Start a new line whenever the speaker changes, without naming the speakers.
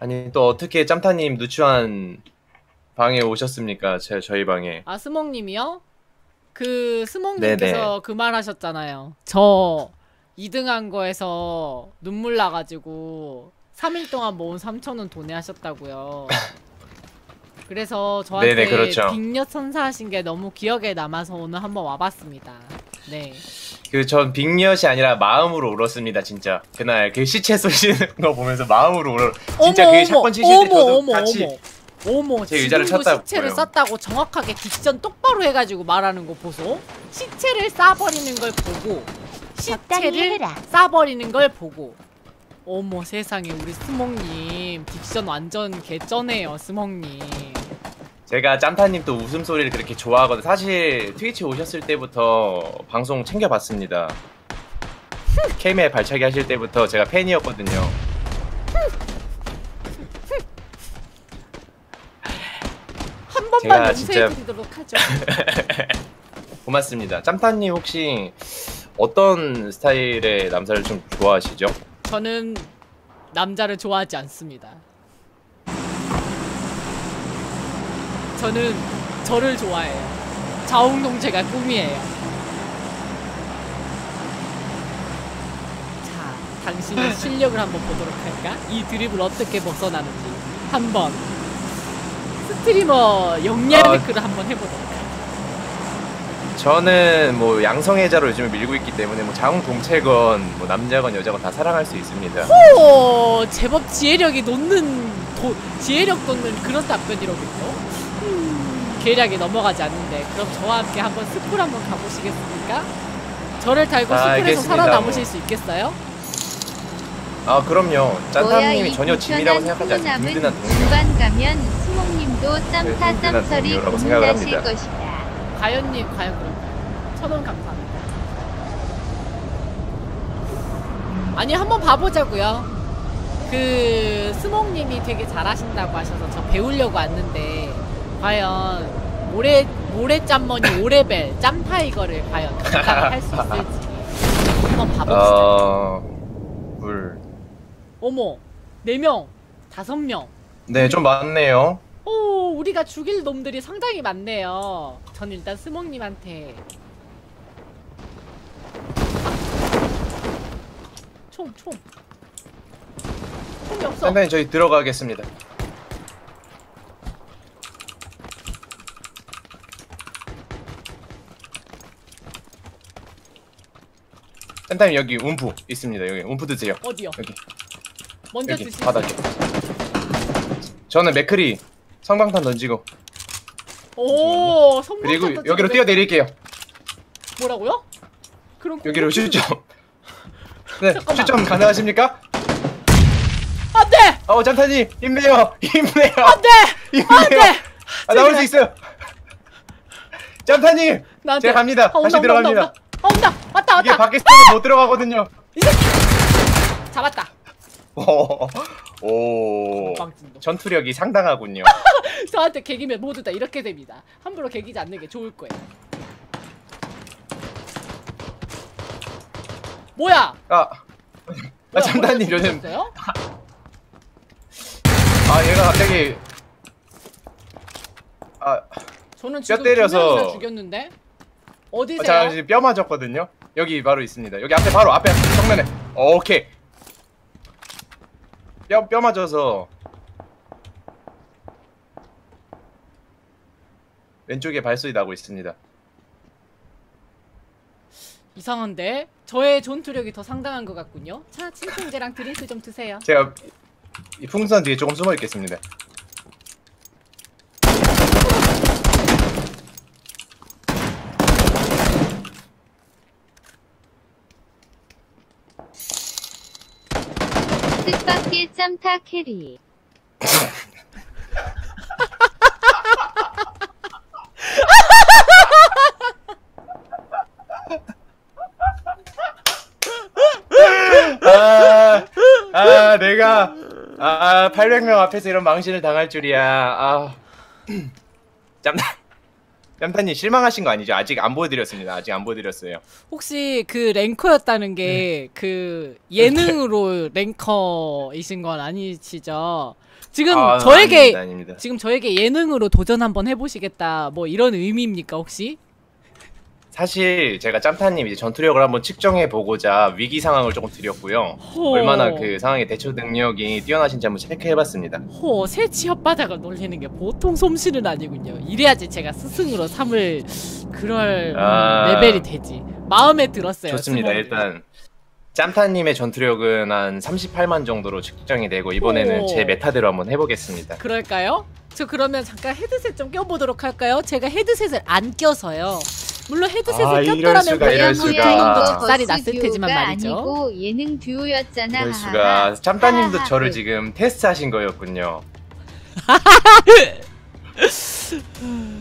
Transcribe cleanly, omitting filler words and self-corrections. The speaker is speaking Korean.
아니 또 어떻게 짬타님 누추한 방에 오셨습니까? 저희 방에.
아, 스몽님이요? 그
네네.
스몽님께서 그 말 하셨잖아요. 저 2등한 거에서 눈물 나가지고 3일 동안 모은 3,000원 도내하셨다고요. 그래서
네네,
저한테
그렇죠.
빅엿 선사하신 게 너무 기억에 남아서 오늘 한번 와봤습니다. 네.
그 전 빅엿이 아니라 마음으로 울었습니다, 진짜. 그날 그 시체 쏘시는 거 보면서 마음으로 울어. 진짜
어머
그
어머
샷건 치실 때 저도
어머
같이
어머 어머
제 의자를
지금도
쳤다고요.
시체를 쌌다고 정확하게 딕션 똑바로 해가지고 말하는 거 보소. 시체를 싸버리는 걸 보고 시체를 싸버리는 걸 보고 어머 세상에 우리 스몽님 딕션 완전 개쩌네요 스몽님.
제가 짬타님 또 웃음소리를 그렇게 좋아하거든요. 사실 트위치 오셨을 때부터 방송 챙겨봤습니다. 케이메 발차기 하실 때부터 제가 팬이었거든요.
한 번만
제가 진짜
용서해드리도록 하죠.
고맙습니다. 짬타님 혹시 어떤 스타일의 남자를 좀 좋아하시죠?
저는 남자를 좋아하지 않습니다. 저는 저를 좋아해요. 자웅동체가 꿈이에요. 자, 당신의 실력을 한번 보도록 할까? 이 드립을 어떻게 벗어나는지 한번 스트리머 영리하드크를 한번 해보도록 할까?
저는 뭐 양성애자로 요즘에 밀고 있기 때문에 뭐 자웅동체건 뭐 남자건 여자건 다 사랑할 수 있습니다.
오, 제법 지혜력이 지혜력 돋는 그런 답변이로군요. 계략이 넘어가지 않는데 그럼 저와 함께 한번 숲을 한번 가보시겠습니까? 저를 달고 숲에서
알겠습니다.
살아남으실 수 있겠어요?
아 그럼요. 짬타님이 전혀 짐이라고 생각하지 않습니다. 든든한 동료.
중간 가면 수목님도 짬타
든든한
짬처리
동료라고 생각을
고민하실
합니다.
것이다.
과연님 과연 그럴까요? 1,000원 감사합니다. 아니 한번 봐보자고요. 그 스몽님이 되게 잘하신다고 하셔서 저 배우려고 왔는데 과연 모래짬머니 5레벨 짬타이거를 과연 감당할 수 있을지 한번 봐봅시다.
물.
어머 4명 5명.
네, 좀 많네요.
오, 우리가 죽일 놈들이 상당히 많네요. 전 일단 스몽님한테 총이 없어.
짬타님 저희 들어가겠습니다. 짬타님 여기 움프 있습니다. 여기 움프 드세요.
어디요?
여기
먼저
여기
드시죠.
바닥에. 저는 맥크리 성광탄 던지고
오, 성공한
그리고
던지고
여기로
왜-
뛰어내릴게요.
뭐라고요? 그럼
여기로 슛점. 네,
잠깐만.
슛점 가능하십니까?
안돼!
짬타님 힘내요. 힘내요.
안돼!
힘내요. 나올 수 있어요. 짬타님
나한테.
제가 갑니다. 다시 들어갑니다.
온다! 왔다!
이게 밖에 있으면 못 들어가거든요.
잡았다.
오,
빵진도.
전투력이 상당하군요.
저한테 개기면 모두 다 이렇게 됩니다. 함부로 개기지 않는 게 좋을 거예요. 뭐야?
짬타님 요즘
죽였어요?
얘가 갑자기
저는 지금
때려서-
2명이나 죽였는데? 어디세요?
자 지금 뼈 맞았거든요. 여기 바로 있습니다. 여기 앞에 바로 앞에 정면에. 오케이. 뼈 맞아서 왼쪽에 발소리 나고 있습니다.
이상한데? 저의 전투력이 더 상당한 것 같군요. 자, 침통제랑 드링크 좀 드세요.
제가 이 풍선 뒤에 조금 숨어 있겠습니다.
뜻밖의 짬타 캐리.
내가 800명 앞에서 이런 망신을 당할 줄이야. 짬타 짬타님 실망하신 거 아니죠? 아직 안 보여드렸습니다. 아직 안 보여드렸어요.
혹시 그 랭커였다는 게 그 예능으로 랭커이신 건 아니시죠? 지금 저에게
아닙니다, 아닙니다.
지금 저에게 예능으로 도전 한번 해보시겠다 뭐 이런 의미입니까 혹시?
사실 제가 짬타님 이제 전투력을 한번 측정해 보고자 위기 상황을 조금 드렸고요.
호.
얼마나 그 상황의 대처 능력이 뛰어나신지 한번 체크해봤습니다.
새치 혓바닥을 놀리는 게 보통 솜씨는 아니군요. 이래야지 제가 스승으로 삼을 그럴 레벨이 되지. 마음에 들었어요.
좋습니다.
스모님.
일단 짬타님의 전투력은 한 38만 정도로 측정이 되고 이번에는
오.
제 메타대로 한번 해보겠습니다.
그럴까요? 저 그러면 잠깐 헤드셋 좀 껴보도록 할까요? 제가 헤드셋을 안 껴서요. 물론 헤드셋을
이럴
꼈더라면
수가, 이럴 수가.
도
뭐
작살이 났을 테지만 말이죠.
아니고 예능 듀오였잖아.
이럴 수가. 짬타님도
하하하.
저를 지금 테스트하신 거였군요.